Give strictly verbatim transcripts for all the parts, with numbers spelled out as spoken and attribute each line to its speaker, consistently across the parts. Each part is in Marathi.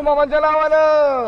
Speaker 1: मामाच्या नावानं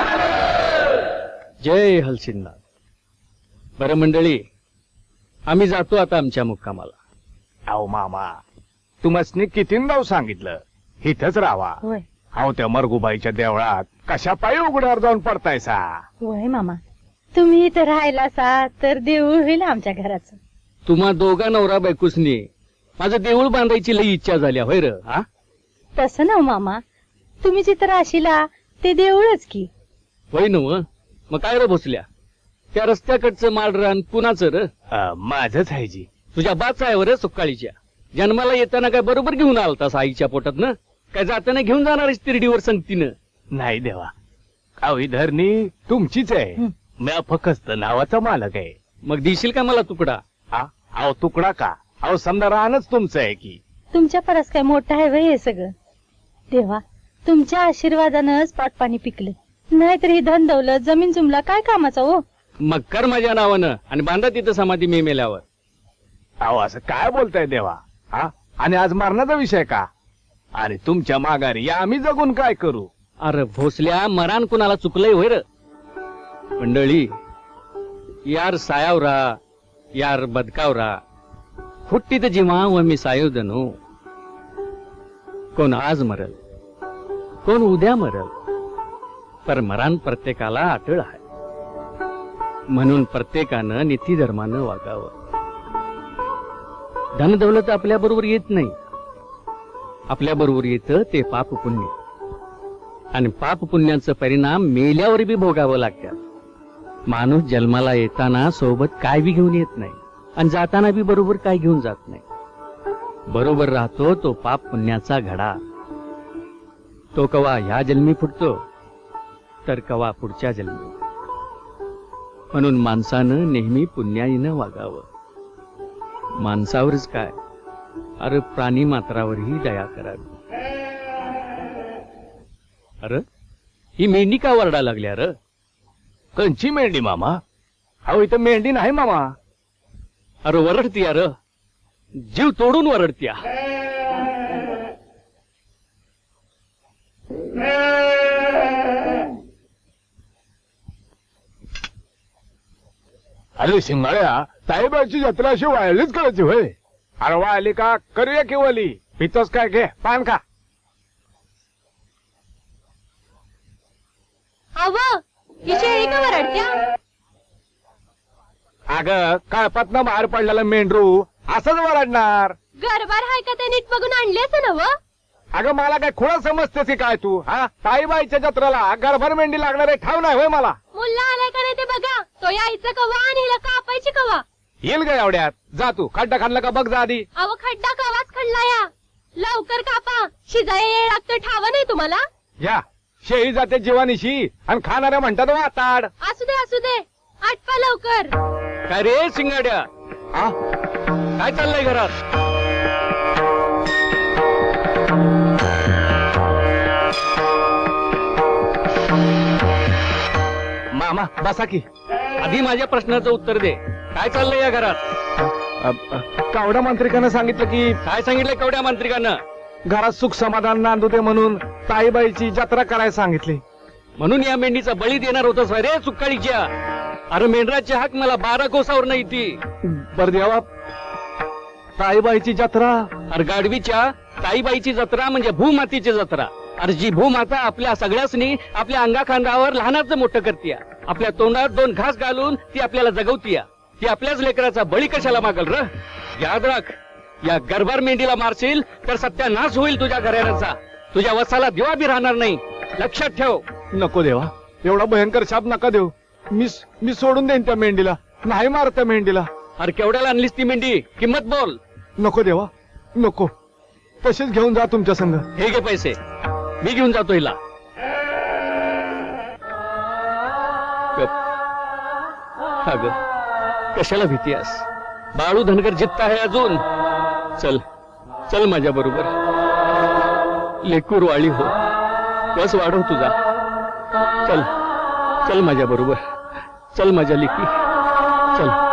Speaker 2: जय हलसिंगनाथ. बरं मंडळी, आम्ही जातो आता आमच्या मुक्कामाला.
Speaker 1: अहो मामा, तुम्हाला किती नाव सांगितलं इथंच राहावा.
Speaker 3: होय
Speaker 1: अहो त्या मरगुबाईच्या देवळात कशा पायी उघड्यावर जाऊन पडतायसा.
Speaker 3: होय मामा, तुम्ही इथं राहिला सा तर देऊळ होईल आमच्या घराचं.
Speaker 2: तुम्हा दोघा नवरा बायकोसनी माझं देऊळ बांधायची लई इच्छा झाली होय र. हा
Speaker 3: तसं ना मामा, तुम्ही जिथं राशीला ते देऊळच की.
Speaker 2: होय नव. मग काय र भोसल्या, त्या रस्त्याकडचं माळरान कुणाचं र?
Speaker 1: अ, माझंच आहे जी.
Speaker 2: तुझ्या बाच आहे वर सुकाळीच्या. जन्माला येताना काय बरोबर घेऊन आलतास आईच्या पोटात ना? काय जाताना घेऊन जाणारच तिरडीवर संगतीनं?
Speaker 1: नाही देवा, अहो ही धरणी तुमचीच आहे. मी फक्त नावाचा मालक आहे.
Speaker 2: मग देशील का मला तुकडा?
Speaker 1: हा, अहो तुकडा का? अहो समजा राहणच तुमचं आहे की.
Speaker 3: तुमच्या परस काय मोठं आहे वय हे सगळं. देवा, तुमच्या आशीर्वादानंच पाटपाणी पिकलं, नाहीतर ही धन दौलत जमीन जुमला काय कामाचा हो.
Speaker 2: मग कर माझ्या नावानं आणि बांधा तिथं समाधी मी मेल्यावर.
Speaker 1: अहो असं काय बोलताय देवा? हा, आणि आज मरणाचा विषय का? आणि तुमच्या माघारी या आम्ही जगून काय करू?
Speaker 2: अरे भोसल्या, मरान कुणाला चुकलंय होय र? मंडळी, यार सायावरा यार बदकावरा हुट्टीत जिमा व मी सायोदनो. कोण आज मरल, कोण उद्या मरल, पर मरान प्रत्येकाला अटळ आहे. म्हणून प्रत्येकानं नीती धर्मानं वागावं. धन दौलत आपल्या बरोबर येत नाही, आपल्या बरोबर येतं ते पाप पुण्य. आणि पाप पुण्याचा परिणाम मेल्यावर बी भोगावं लागतात. माणूस जन्माला येताना सोबत काय बी घेऊन येत नाही आणि जाताना बी बरोबर काय घेऊन जात नाही. बरोबर राहतो तो पाप पुण्याचा घडा. तो कवा ह्या जन्मी फुटतो तर कवा पुढच्या जन्मी. म्हणून माणसानं नेहमी पुण्याईनं वागावं. माणसावरच काय, अरे प्राणी मात्रावरही दया करावी. अरे ही मेंढी का वरडा लागल्या र?
Speaker 1: कंची मेंढी मामा? अहो इथं मेंढी नाही मामा.
Speaker 2: अरे वरडतीया र, जीव तोडून वरडत्या.
Speaker 1: अरे शिंगाळ्या, साहेबाची जत्रा अशी वाळलीच करायची होय? अरे वाळली का करूया की वली? पितोस काय? घे पान का.
Speaker 3: अव ही शेळी का वरडत्या?
Speaker 1: अगं कळपातनं बाहेर पडलेला मेंढरू असंच वरडणार.
Speaker 3: गरबार हाय का ते नीट बघून आणलेच ना व?
Speaker 1: अगं मला काय खुळा समजतेस की काय तू? हा, ताईबाईच्या जत्रेला गरभर मेंढी लागणार आहे ठाव नाही होय मला?
Speaker 3: मुल्ला आलाय का नाही ते बघा. तो यायचं कवा आणि हिला कापायची कवा?
Speaker 1: येईल का एवढ्यात? जा तू खड्डा खाल्ला का बघ जा आधी.
Speaker 3: अव खड्डा कवाच खडला या. लवकर कापा, शिजाय येळ लागतं ठाव नाही तुम्हाला?
Speaker 1: या शेळी जाते जीवानीशी आणि खाणाऱ्या म्हणतात वाताड.
Speaker 3: असू दे असू दे, आटपा लवकर.
Speaker 2: काय रे शिंगाड्या,
Speaker 1: हा,
Speaker 2: काय चाललंय घरात?
Speaker 1: मामा बसा की.
Speaker 2: आधी माझ्या प्रश्नाचं उत्तर दे. काय चाललंय या घरात?
Speaker 1: अ, अ, कावडा मांत्रिकानं सांगितलं की
Speaker 2: काय सांगितलंय कवड्या मांत्रिकानं?
Speaker 1: घरात सुख समाधान नांदू दे म्हणून ताईबाईची जत्रा करायला सांगितली.
Speaker 2: म्हणून या मेंढीचा बळी देणार होतस रे सुक्काळीच्या? अरे मेंढराची हाक मला बारा कोसावर नाही ती.
Speaker 1: बर देवा, ताईबाईची जत्रा.
Speaker 2: अरे गाडवीच्या ताईबाईची जत्रा म्हणजे भूमातीची जत्रा. अरे जी भूमाता आपल्या सगळ्यासनी आपल्या अंगाखांदावर लहानाचं मोठं करतीया. आपल्या तोंडात दोन घास घालून ती आपल्याला जगवतीया. ती आपल्याच लेकराचा बळी कशाला मागल र? याद राख, या गरबार मेंढीला मारशील तर सत्यानाश होईल तुझ्या घराण्याचा. तुझ्या वसाला दिवा बी राहणार नाही, लक्षात ठेव.
Speaker 1: नको देवा, एवढा भयंकर शाप नका देऊ. मी मी सोडून देईन त्या मेंढीला. नाही मारत त्या मेंढीला.
Speaker 2: अरे केवढ्याला आणलीस ती मेंढी? किंमत बोल.
Speaker 1: नको देवा, नको. तशीच घेऊन जा तुमच्या संग.
Speaker 2: हे घे पैसे, मी घेऊन जातो हिला. अग कशाला भीती आहेस? बाळू धनगर जित्त आहे अजून. चल चल माझ्या बरोबर. लेकूर वाळी हो, बस वाढव तुझा. चल चल माझ्या बरोबर. चल माझ्या लेकी, चल.